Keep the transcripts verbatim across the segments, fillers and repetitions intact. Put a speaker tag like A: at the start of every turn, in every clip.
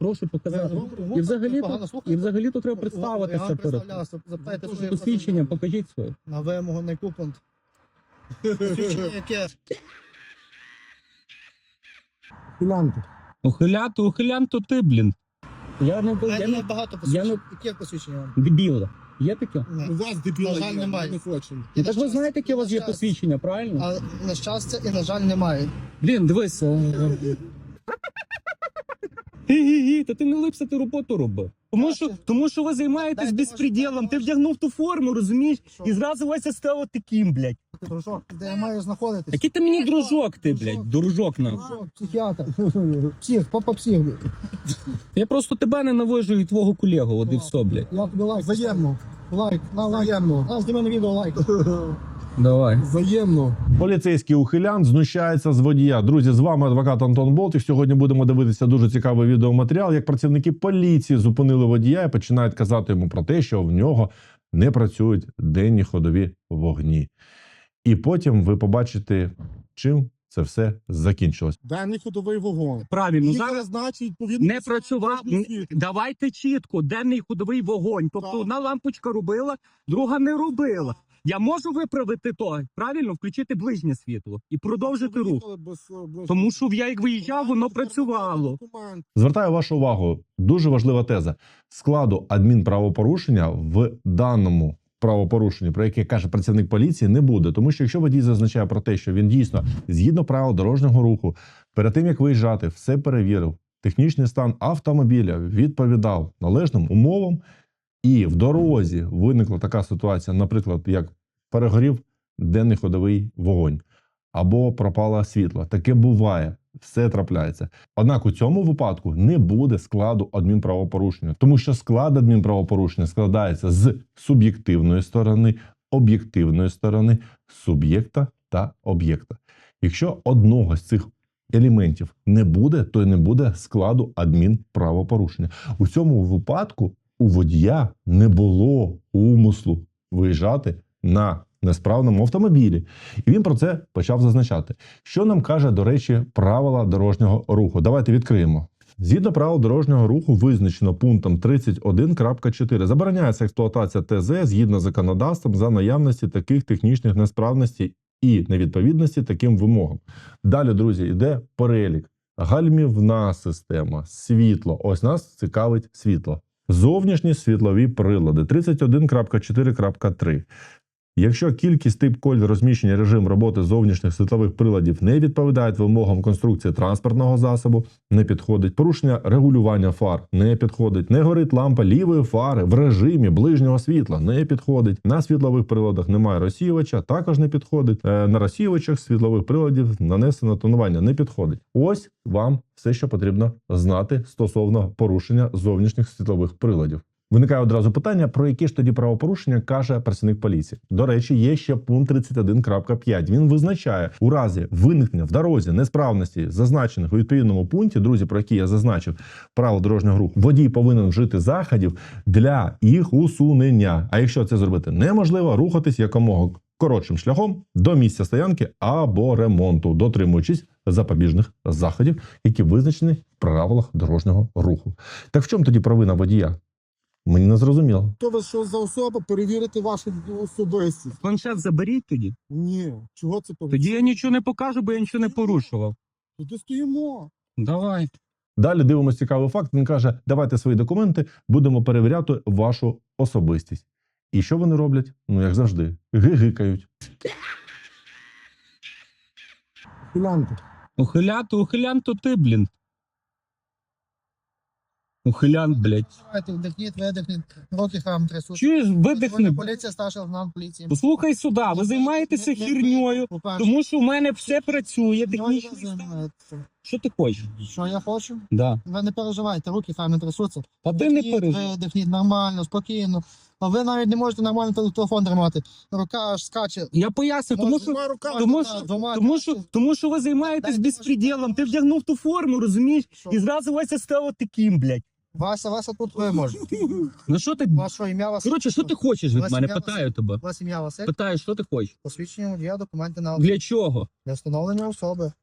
A: прошу показати. І взагалі, то, і взагалі то треба представитися перед посвідченням, покажіть своє.
B: На вимогу не купон. Посвідчення яке?
C: Філянку.
A: Ухилянт, ухилянт, то ти, блін. Я не,
B: У
A: я
B: мене
A: не,
B: є багато
A: я
B: посвідчень.
A: не
B: Яке посвідчення вам?
A: дебіла. Є таке?
B: Ні.
C: У вас дебіла
B: На жаль,
C: є,
B: немає.
C: не хочемо.
A: Ну, так ви знаєте, яке у вас є посвідчення, правильно?
B: А на щастя і, на жаль, немає.
A: Блін, дивись. Гі-гі-гі, та ти не липся, ти роботу роби. Тому що, тому що ви займаєтесь
B: Дайте
A: безпреділом,
B: ваш-
A: ти вдягнув ту форму, розумієш?
B: Що?
A: І зразу Вася став таким, блядь.
B: Дружок, де я маю знаходитись?
A: Який ти мені дружок, ти, блядь, дружок нам.
B: Дружок, психіатр. Псих, папа псих.
A: Я просто тебе ненавижу і твого колегу, от і все, блядь.
B: Я тобі лайк. Взаємно. Лайк, на лайк. Взаємно. На, зніми на відео лайк.
A: Давай.
C: Взаємно.
D: Поліцейський ухилянт знущається з водія. Друзі, з вами адвокат Антон Болтик. Сьогодні будемо дивитися дуже цікавий відеоматеріал, як працівники поліції зупинили водія і починають казати йому про те, що в нього не працюють денні ходові вогні. І потім ви побачите, чим це все закінчилось.
C: Денний ходовий вогонь.
A: Правильно,
C: Їх
A: зараз
C: значить, відповідно,
A: не працював.
C: дорожнє світло.
A: Давайте чітко, денний ходовий вогонь. Тобто
C: Так.
A: одна лампочка робила, друга не робила. Я можу виправити то, правильно, включити ближнє світло і продовжити рух.
C: Виїхали без, е, без-
A: Тому що я як виїжджав, воно працювало.
C: Документ.
D: Звертаю вашу увагу, дуже важлива теза. Складу адмінправопорушення в даному правопорушенні, про яке каже працівник поліції, не буде. Тому що якщо водій зазначає про те, що він дійсно, згідно правил дорожнього руху, перед тим, як виїжджати, все перевірив, технічний стан автомобіля відповідав належним умовам, і в дорозі виникла така ситуація, наприклад, як перегорів денний ходовий вогонь, або пропало світло. Таке буває, все трапляється. Однак у цьому випадку не буде складу адмінправопорушення, тому що склад адмінправопорушення складається з суб'єктивної сторони, об'єктивної сторони, суб'єкта та об'єкта. Якщо одного з цих елементів не буде, то й не буде складу адмінправопорушення. У цьому випадку у водія не було умислу виїжджати на несправному автомобілі. І він про це почав зазначати. Що нам каже, до речі, правила дорожнього руху? Давайте відкриємо. Згідно правил дорожнього руху визначено пунктом тридцять один крапка чотири. Забороняється експлуатація ТЗ згідно з законодавством за наявності таких технічних несправностей і невідповідності таким вимогам. Далі, друзі, йде перелік. Гальмівна система, світло. Ось нас цікавить світло. Зовнішні світлові прилади тридцять один крапка чотири крапка три. Якщо кількість, тип, колір, розміщення, режим роботи зовнішніх світлових приладів не відповідають вимогам конструкції транспортного засобу, не підходить. Порушення регулювання фар не підходить. Не горить лампа лівої фари в режимі ближнього світла не підходить. На світлових приладах немає розсіювача, також не підходить. На розсіювачах світлових приладів нанесено тонування не підходить. Ось вам все, що потрібно знати стосовно порушення зовнішніх світлових приладів. Виникає одразу питання, про які ж тоді правопорушення каже працівник поліції. До речі, є ще пункт тридцять один крапка п'ять. Він визначає, у разі виникнення в дорозі несправності, зазначених у відповідному пункті, друзі, про які я зазначив, правил дорожнього руху, водій повинен вжити заходів для їх усунення. А якщо це зробити неможливо, рухатись якомога коротшим шляхом до місця стоянки або ремонту, дотримуючись запобіжних заходів, які визначені в правилах дорожнього руху. Так в чому тоді провина водія? Мені не зрозуміло.
C: Хто ви що за особа, перевірити вашу особистість?
A: Планшет заберіть тоді.
C: Ні. Чого це повинно?
A: Тоді я нічого не покажу, бо я нічого не порушував.
C: Тоді стоїмо.
A: Давай.
D: Далі дивимося цікавий факт. Він каже, давайте свої документи, будемо перевіряти вашу особистість. І що вони роблять? Ну, як завжди, гигикають.
C: Філянку.
A: Ухилянт, ухилянт, то ти, блін. Ухилянт, блядь.
B: Давайте, вдихніть, видихніть. Руки хам трясуть.
A: Чуєш, видихни.
B: Поліція, старший лейтенант поліції.
A: Послухай сюди, ви займаєтеся херньою, тому що в мене все працює, технічно. Що ти хочеш?
B: Що я хочу?
A: Да.
B: Ви не переживайте, руки хай не трясуться.
A: Та ти не переживай.
B: Видихніть нормально, спокійно. А ви навіть не можете нормально телефон тримати. Рука аж скаче.
A: Я поясню, тому що,
C: Двома руками.
A: тому що, тому що, тому що ви займаєтесь безпреділом. Ти вдягнув ту форму, розумієш?
B: Що?
A: І зразу Вася став таким, блядь.
B: Вася, Вася тут ви можете.
A: Ну що ти?
B: Ваше ім'я вас.
A: Коротше, що ти хочеш від
B: Вася,
A: мене?
B: я-
A: Питаю тебе.
B: Ваше ім'я Василь.
A: Питаю, що ти хочеш?
B: Посвідчення водія, документи на
A: Для чого?
B: для встановлення особи.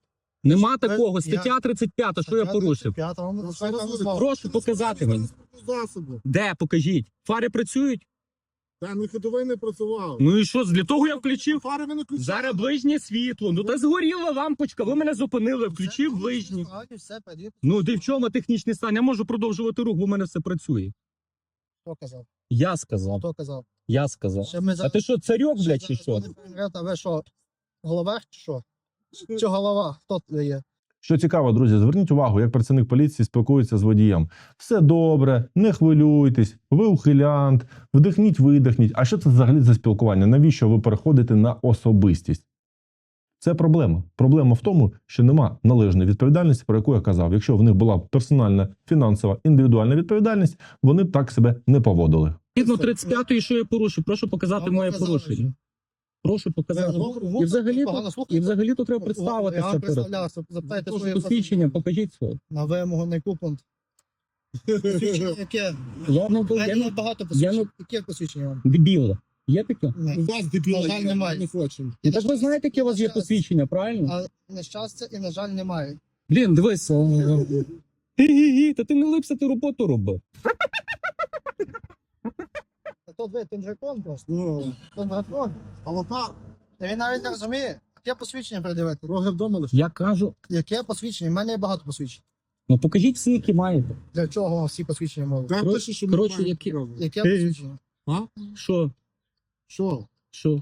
A: Нема
B: Ви-
A: такого.
B: я-
A: Стаття тридцять п'ята, що я порушив?
B: П'ята, вам
C: Ну,
B: розказала
C: що ви
B: знову.
A: Прошу показати мені.
C: Засоби.
A: Де, покажіть. Фари працюють?
C: Та не ходовий не працював.
A: Ну і що, для того я включив?
C: Фари ви не включали.
A: Зараз ближнє світло. Ну та згоріла лампочка, ви мене зупинили, включив
B: Все,
A: ближнє.
B: все, все, перевірте.
A: Ну, де в чому технічний стан? Я можу продовжувати рух, бо в мене все працює.
B: Хто казав?
A: Я сказав,
B: Хто казав?
A: я сказав.
B: Ще ми
A: А
B: зараз-
A: ти що, царьок,
B: ще
A: блядь, чи
B: зараз
A: що?
B: будемо перевіряти, А ви що, головах чи що? Чи голова? Хто це є?
D: Що цікаво, друзі, зверніть увагу, як працівник поліції спілкується з водієм. Все добре, не хвилюйтесь, ви ухилянт, вдихніть, видихніть. А що це взагалі за спілкування? Навіщо ви переходите на особистість? Це проблема. Проблема в тому, що нема належної відповідальності, про яку я казав. Якщо в них була персональна, фінансова, індивідуальна відповідальність, вони б так себе не поводили.
A: Згідно тридцять п'ятої, що я порушив? Прошу показати
B: Вам
A: моє
B: показали
A: порушення. Прошу показати.
B: Ви-
A: І взагалі,
B: погано
A: то,
B: слухаєте?
A: і взагалі то треба
B: Я
A: представитися
B: вам
A: перед.
B: представлявся, запитайте своє
A: Посвідчення, покажіть своє.
B: на вимогу на яку пункт. Посвідчення яке?
A: Я не
B: У мене
A: я
B: є
A: не
B: багато
A: я
B: посвідчень. Яке посвідчення вам?
A: дебіла. Є таке?
C: У
B: Ні.
C: вас дебіла,
B: На жаль,
C: є,
B: немає.
C: не хочемо.
A: І так ви знаєте, яке у вас є посвідчення, правильно?
B: А на щастя і, на жаль, немає.
A: Блін, дивись. Гі-гі-гі, та ти не липся, ти роботу роби.
B: А то ви тундракон просто.
C: Ну,
B: Тундракон.
C: але так,
B: Та він навіть не розуміє. Яке посвідчення придивити?
C: роги вдома лише.
A: Я кажу,
B: Яке посвідчення? У мене є багато посвідчень.
A: ну покажіть всі, які маєте.
B: Для чого вам всі посвідчення можуть?
C: Та
A: Коротше-
C: пише, що ми
A: коротше,
C: маємо
A: які-
C: право.
B: Яке
A: Ти-
B: посвідчення?
C: А?
A: Що?
C: Що?
A: Що?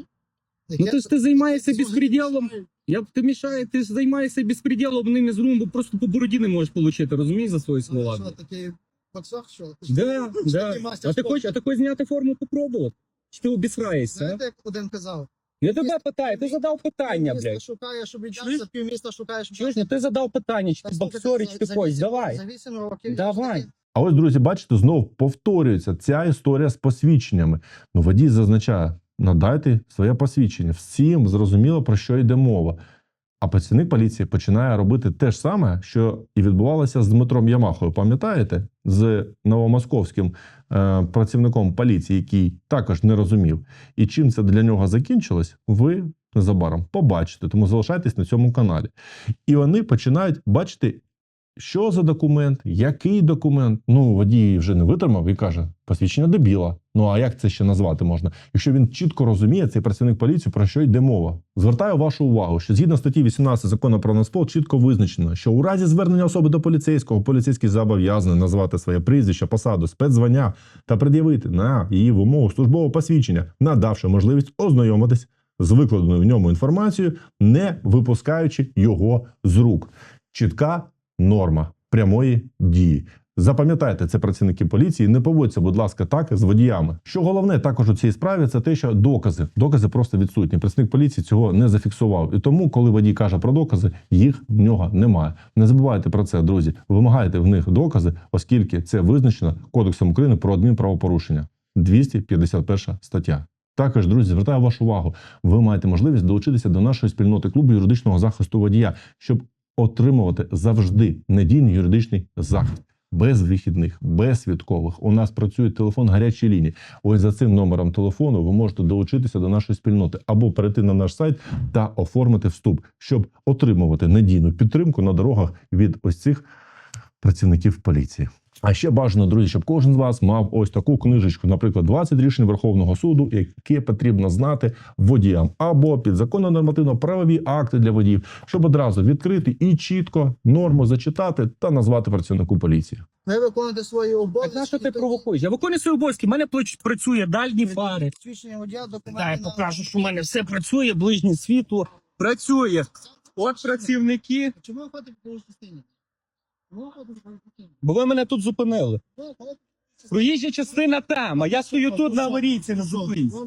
B: Яке
A: Ну ти ж ти займаєшся
B: яке-
A: безпреділом. Я б ти мішає, ти ж займаєшся безпреділом ними з румбу, просто по бороді не можеш отримати, розумієш, за свої
B: Що,
A: слова.
B: такий боксер, що?
A: Да, да.
B: Такий мастер
A: А ти
B: спорту.
A: хочеш, а ти хочеш зняти форму попробувати? Чи ти обісраєшся? а?
B: Знаєте, як один казав?
A: Я тебе питаю, ти задав питання,
B: Місто
A: блядь.
B: шукає, щоб
A: Чуєш?
B: віддався, півміста шукає, щоб
A: Чуєш, ну ти задав питання, чи
B: Так,
A: ти
B: слухайте,
A: боксер,
B: за-
A: чи ти
B: за
A: хочеш,
B: вісім-
A: давай.
B: За вісім років.
A: Давай.
D: А ось, друзі, бачите, знов повторюється ця історія з посвідченнями. Ну, водій зазначає, надайте своє посвідчення. Всім зрозуміло, про що йде мова. А працівник поліції починає робити те ж саме, що і відбувалося з Дмитром Ямахою. Пам'ятаєте? З новомосковським е, працівником поліції, який також не розумів. І чим це для нього закінчилось, ви незабаром побачите. Тому залишайтесь на цьому каналі. І вони починають бачити, що за документ, який документ. Ну, водій вже не витримав і каже, посвідчення дебіла. Ну, а як це ще назвати можна? Якщо він чітко розуміє, цей працівник поліції, про що йде мова. Звертаю вашу увагу, що згідно статті вісімнадцять Закону про Нацпол чітко визначено, що у разі звернення особи до поліцейського, поліцейський зобов'язаний назвати своє прізвище, посаду, спецзвання та пред'явити на її вимогу службове посвідчення, надавши можливість ознайомитись з викладеною в ньому інформацією, не випускаючи його з рук. Чітка норма прямої дії. Запам'ятайте, це працівники поліції, не поводьте, будь ласка, так з водіями. Що головне також у цій справі, це те, що докази. Докази просто відсутні. Працівник поліції цього не зафіксував. І тому, коли водій каже про докази, їх в нього немає. Не забувайте про це, друзі. Вимагайте в них докази, оскільки це визначено Кодексом України про адмінправопорушення. двісті п'ятдесят перша стаття. Також, друзі, звертаю вашу увагу. Ви маєте можливість долучитися до нашої спільноти клубу юридичного захисту водія, щоб отримувати завжди надійний юридичний захист. Без вихідних, без свідкових. У нас працює телефон гарячої лінії. Ось за цим номером телефону ви можете долучитися до нашої спільноти або перейти на наш сайт та оформити вступ, щоб отримувати надійну підтримку на дорогах від ось цих працівників поліції. А ще бажано, друзі, щоб кожен з вас мав ось таку книжечку, наприклад, двадцять рішень Верховного суду, яке потрібно знати водіям, або підзаконно нормативно-правові акти для водіїв, щоб одразу відкрити і чітко норму зачитати та назвати працівнику поліції.
B: Ви виконуєте свої обов'язки.
A: Так на що ти
B: то-
A: провокуєш? Я виконую свої обов'язки, в мене плач- працює дальні фари.
B: Посвідчення водія, документи.
A: Дай
B: на-
A: покажу, що в мене все працює, ближнє світло працює. От працівники,
B: Чому ви ходите по частині? Чому ви ходите по частині?
A: бо ви мене тут зупинили.
B: Ви ходите по
A: Проїжджа частина там, а я стою тут на аварійці на зупинці.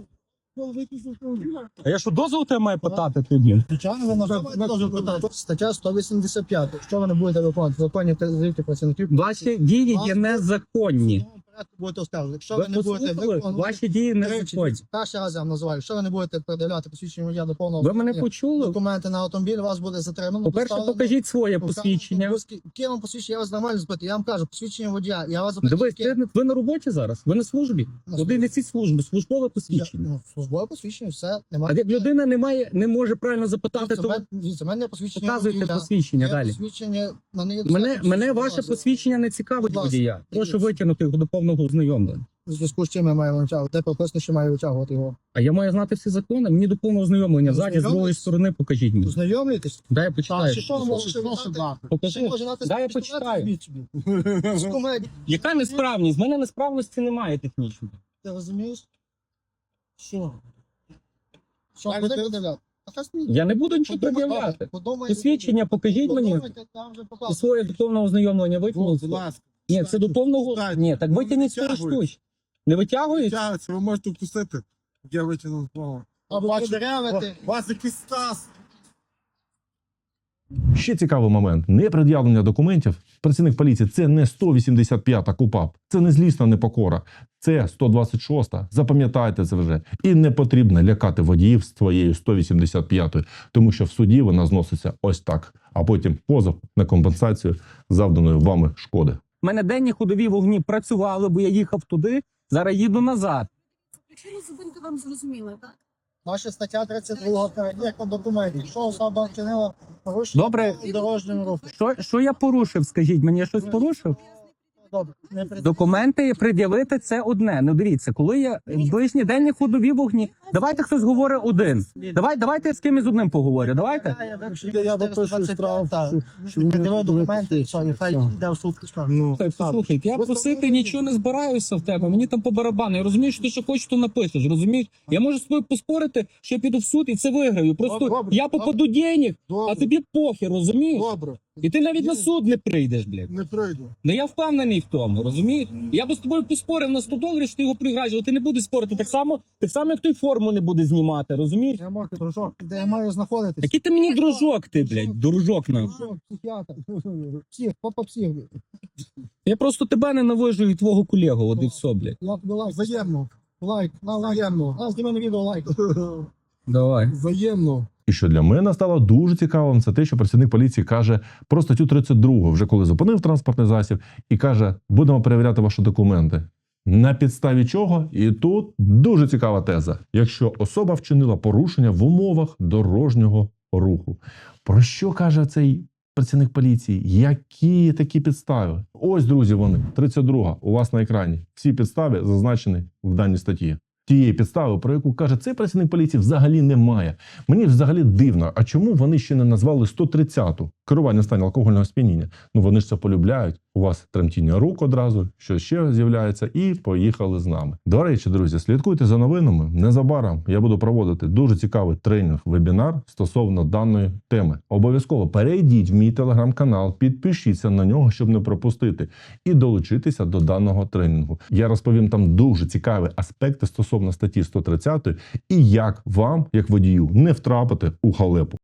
A: А я що, дозвол тебе маю питати тобі?
B: Звичайно, ви можете теж питати. Стаття сто вісімдесят п'ять. Що ви не будете виконувати? Законні вказівки працівників.
A: Ваші дії є незаконні.
B: будете оскаржувати. Якщо
A: Ви
B: ви не будете
A: послухали?
B: виконувати...
A: Ваші дії не
B: Тричі.
A: законні.
B: Перший раз я вам називаю. Якщо ви не будете передавати посвідчення водія до повного
A: Ви мене
B: виконання
A: почули?
B: документи на автомобіль, вас буде затримано.
A: По-перше,
B: доставлено,
A: покажіть своє
B: покажете,
A: посвідчення.
B: ви- Яке вам посвідчення? Я вас нормально запитую. Я вам кажу, посвідчення водія. Я вас запитую.
A: Дивись,
B: яке-
A: ти- ви на роботі зараз? Ви на службі?
B: На
A: Куди
B: службі.
A: несіть службу? Службове
B: Я-
A: посвідчення.
B: ну, Службове посвідчення, все.
A: А
B: Немає.
A: як людина не має, не може правильно запитати,
B: Дивіться,
A: то
B: в мене- дивіться, в мене посвідчення
A: показуйте
B: водія.
A: посвідчення
B: Є
A: далі.
B: Посвідчення, в мене, є
A: Мене,
B: достатньо
A: мене
B: посвідчення.
A: ваше посвідчення не цікавить
B: Будь ласка,
A: водія. Прошу
B: дивіться.
A: витягнути його до повного ознайомлення.
B: У зв'язку з чим я маю витягувати? Де прописано, що маю витягувати його?
A: А я маю знати всі закони. Мені до повного ознайомлення. Ззаді, з другої
B: Ознайомитись?
A: сторони покажіть мені.
B: Ознайомлюєтесь?
A: Дай я
B: Так,
A: почитаю.
B: чи що ви можете
C: Що
B: знати?
C: дати?
B: Чи
A: Покажи.
B: може знати
A: Дай я
B: пістолет?
A: почитаю.
B: Візьміть собі. З комедії.
A: Яка несправність? В мене несправності немає технічної.
B: Ти розумієш? Що? Що,
C: Далі
B: куди
C: ти-
B: подивляти? А та смій.
A: Я не буду нічого
B: Подумай,
A: пред'являти.
B: подумай.
A: Посвідчення покажіть мені.
B: Подумайте, там вже показано.
A: Своє до повного ознайомлення
C: Будь
A: витягнути.
C: ласка.
A: Ні, це до повного.
C: Читайте.
A: Ні, так
C: Ну,
A: витягніть свої
C: витягуйте.
A: штучки. Не витягують?
C: Тягаться, ви можете впустити. Я витягнув слово.
B: Або
C: Бачу,
B: подеревити.
C: У вас якийсь стас.
D: Ще цікавий момент: непред'явлення документів. Працівник поліції це не сто вісімдесят п'ята КУпАП, це не злісна непокора, це сто двадцять шоста. Запам'ятайте це вже. І не потрібно лякати водіїв з твоєю сто вісімдесят п'ятою, тому що в суді вона зноситься ось так, а потім позов на компенсацію завданої вами шкоди.
A: У мене денні ходові вогні працювали, бо я їхав туди, зараз їду назад.
E: Причину зупинки вам зрозуміла, так?
B: Наша стаття тридцять два перевірка документів. Що особа вчинила порушення
A: Добре.
B: у дорожньому руху?
A: Що, що я порушив, скажіть, мені я щось порушив?
B: Добре. Не пред-
A: Документи пред'явити це одне. Ну дивіться, коли є ближні денні ходові вогні. Давайте хтось говорить один. Давай, давайте я з кимось одним поговорю. Давайте.
B: Я, я випишу штраф. Пред'явив документи, все, і хай йде в суд.
C: Ну,
A: Слухай, послухай, я просити нічого не збираюся в тебе. Мені там по барабану. Я розумію, що ти що хочеш, то напишеш. Розумієш? Я можу з тобою поспорити, що я піду в суд і це виграю. Просто
C: Добре,
A: я попаду денег, а
C: Добре,
A: тобі похер, розумієш?
C: добре.
A: І ти навіть на суд не прийдеш, блядь.
C: Не прийду.
A: Ну я впевнений в тому, розумієш? Я би з тобою поспорив на сто доларів, що ти його приграєш, але ти не будеш спорити. Так само, так само, як той форму не буде знімати, розумієш?
B: Я можу, дружок, де я маю знаходитись?
A: Який ти мені дружок, ти, блядь, дружок нам.
B: Дружок, психіатр. Псих, папа псих.
A: Я просто тебе ненавижу і твого колегу, от і все, блядь.
B: Я тобі лайк.
C: Взаємно.
B: Лайк, на лайк.
C: Взаємно.
B: На, зніми на відео лайк.
A: Давай.
C: Взаємно.
D: І що для мене стало дуже цікавим, це те, що працівник поліції каже про статтю тридцять два, вже коли зупинив транспортний засіб, і каже, будемо перевіряти ваші документи. На підставі чого? І тут дуже цікава теза. Якщо особа вчинила порушення в умовах дорожнього руху. Про що каже цей працівник поліції? Які такі підстави? Ось, друзі, вони. тридцять друга у вас на екрані. Всі підстави зазначені в даній статті. Тієї підстави, про яку каже цей працівник поліції, взагалі немає. Мені взагалі дивно, а чому вони ще не назвали сто тридцяту? Керування в стані алкогольного сп'яніння. Ну вони ж це полюбляють. У вас тремтіння рук одразу, що ще з'являється, і поїхали з нами. До речі, друзі, слідкуйте за новинами. Незабаром я буду проводити дуже цікавий тренінг-вебінар стосовно даної теми. Обов'язково перейдіть в мій телеграм-канал, підпишіться на нього, щоб не пропустити, і долучитися до даного тренінгу. Я розповім там дуже цікаві аспекти стосовно статті сто тридцять і як вам, як водію, не втрапити у халепу.